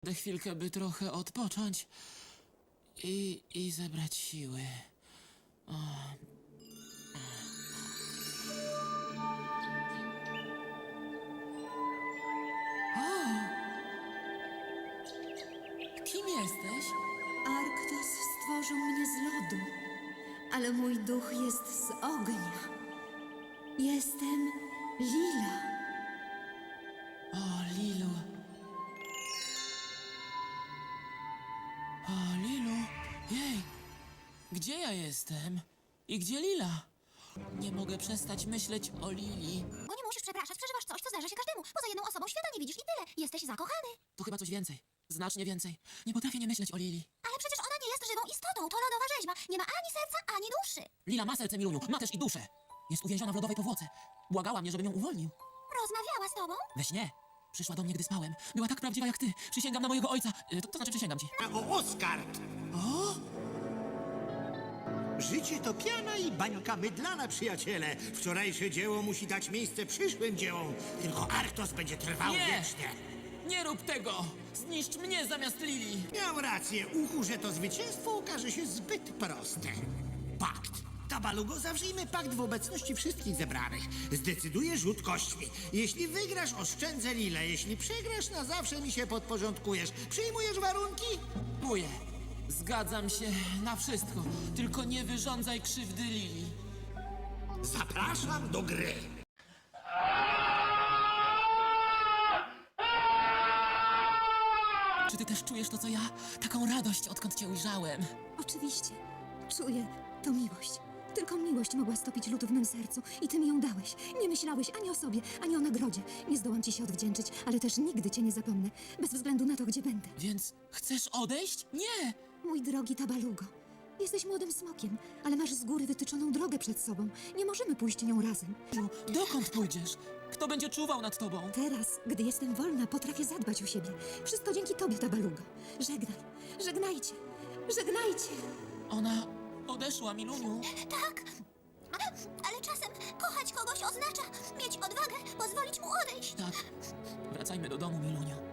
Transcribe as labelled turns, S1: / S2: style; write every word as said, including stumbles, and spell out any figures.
S1: Będę chwilkę, by trochę odpocząć i, i zebrać siły. O. O! Kim jesteś?
S2: Arktos stworzył mnie z lodu, ale mój duch jest z ognia. Jestem Lila.
S1: O, Lilu. O, Lilu. Jej, gdzie ja jestem? I gdzie Lila? Nie mogę przestać myśleć o Lili.
S3: Bo nie musisz przepraszać, przeżywasz coś, co zdarza się każdemu. Poza jedną osobą świata nie widzisz i tyle. Jesteś zakochany.
S1: To chyba coś więcej. Znacznie więcej. Nie potrafię nie myśleć o Lili.
S3: Ale przecież ona nie jest żywą istotą. To lodowa rzeźba. Nie ma ani serca, ani duszy.
S1: Lila ma serce, Miluniu, ma też i duszę. Jest uwięziona w lodowej powłoce. Błagała mnie, żebym ją uwolnił.
S3: Rozmawiała z tobą?
S1: We śnie. Przyszła do mnie, gdy spałem. Była tak prawdziwa jak ty. Przysięgam na mojego ojca. Y, To, to znaczy przysięgam ci.
S4: O, Oskard!
S1: O!
S4: Życie to piana i bańka mydlana, przyjaciele. Wczorajsze dzieło musi dać miejsce przyszłym dziełom. Tylko Arktos będzie trwał
S1: Nie!
S4: wiecznie.
S1: Nie rób tego! Zniszcz mnie zamiast Lili!
S4: Miał rację, uchu, że to zwycięstwo okaże się zbyt proste. Pakt. Tabalugo, zawrzyjmy pakt w obecności wszystkich zebranych. Zdecyduje rzut kośćmi. Jeśli wygrasz, oszczędzę Lilę. Jeśli przegrasz, na zawsze mi się podporządkujesz. Przyjmujesz warunki?
S1: Buję. Zgadzam się na wszystko. Tylko nie wyrządzaj krzywdy Lili.
S4: Zapraszam do gry.
S1: Czy ty też czujesz to, co ja? Taką radość, odkąd cię ujrzałem.
S2: Oczywiście, czuję, to miłość. Tylko miłość mogła stopić lód w mym sercu i ty mi ją dałeś. Nie myślałeś ani o sobie, ani o nagrodzie. Nie zdołam ci się odwdzięczyć, ale też nigdy cię nie zapomnę, bez względu na to, gdzie będę.
S1: Więc chcesz odejść? Nie!
S2: Mój drogi Tabalugo, jesteś młodym smokiem, ale masz z góry wytyczoną drogę przed sobą. Nie możemy pójść nią razem.
S1: Lu, dokąd pójdziesz? Kto będzie czuwał nad tobą?
S2: Teraz, gdy jestem wolna, potrafię zadbać o siebie. Wszystko dzięki tobie, Tabalugo. Żegnaj, żegnajcie, żegnajcie.
S1: Ona odeszła, Miluniu.
S3: Tak. Ale czasem kochać kogoś oznacza mieć odwagę, pozwolić mu odejść.
S1: Tak. Wracajmy do domu, Miluniu.